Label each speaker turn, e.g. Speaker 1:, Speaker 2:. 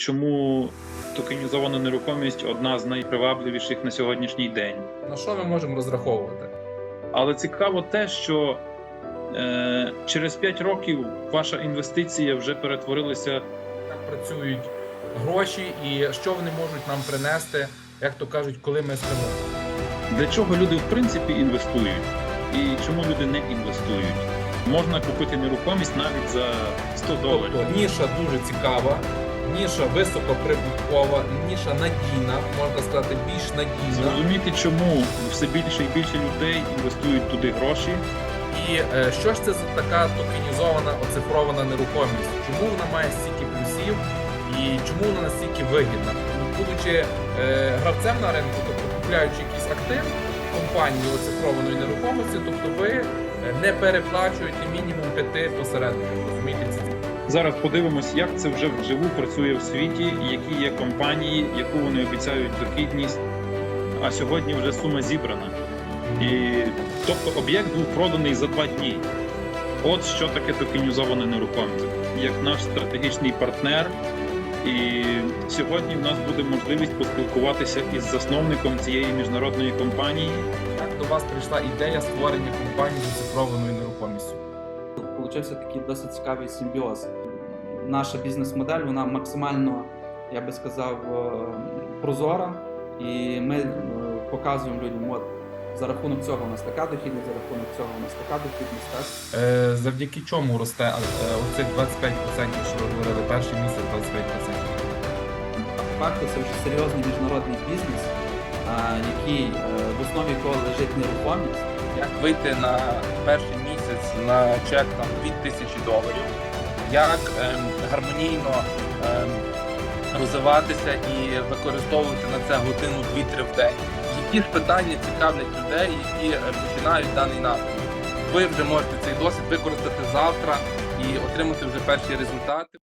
Speaker 1: Чому токенізована нерухомість одна з найпривабливіших на сьогоднішній день?
Speaker 2: На що ми можемо розраховувати?
Speaker 1: Але цікаво те, що через 5 років ваша інвестиція вже перетворилася.
Speaker 2: Як працюють гроші і що вони можуть нам принести, як то кажуть, коли ми спимо.
Speaker 1: Для чого люди в принципі інвестують? І чому люди не інвестують? Можна купити нерухомість навіть за $100.
Speaker 2: Тобто ніша дуже цікава, ніша високоприбуткова, ніша надійна, можна сказати, більш надійна.
Speaker 1: Зрозуміти, чому все більше і більше людей інвестують туди гроші.
Speaker 2: І що ж це за така токенізована, оцифрована нерухомість? Чому вона має стільки плюсів і чому вона настільки вигідна? Будучи гравцем на ринку, тобто купляючи якийсь актив компанії оцифрованої нерухомості, тобто ви не переплачуєте мінімум 5 посередників, розумієте це?
Speaker 1: Зараз подивимось, як це вже вживу працює в світі, які є компанії, яку вони обіцяють дохідність, а сьогодні вже сума зібрана. І, тобто об'єкт був проданий за 2 дні. От що таке токенізована нерухомість. Як наш стратегічний партнер. І сьогодні в нас буде можливість поспілкуватися із засновником цієї міжнародної компанії.
Speaker 2: Як до вас прийшла ідея створення компанії з оцифрованою нерухомістю?
Speaker 3: Получився такий досить цікавий симбіоз. Наша бізнес-модель, вона максимально, я би сказав, прозора. І ми показуємо людям, от за рахунок цього у нас така дохідність, за рахунок цього у нас така дохідність. Так?
Speaker 2: Завдяки чому росте оцих 25%, що ви говорили, перший місяць 25%?
Speaker 3: По факту це вже серйозний міжнародний бізнес, який в основі якого лежить нерухомість.
Speaker 2: Як вийти на перший місяць на чек там $2000, як гармонійно розвиватися і використовувати на це годину 2-3 в день. Які ж питання цікавлять людей, які починають даний напрямок. Ви вже можете цей досвід використати завтра і отримати вже перші результати.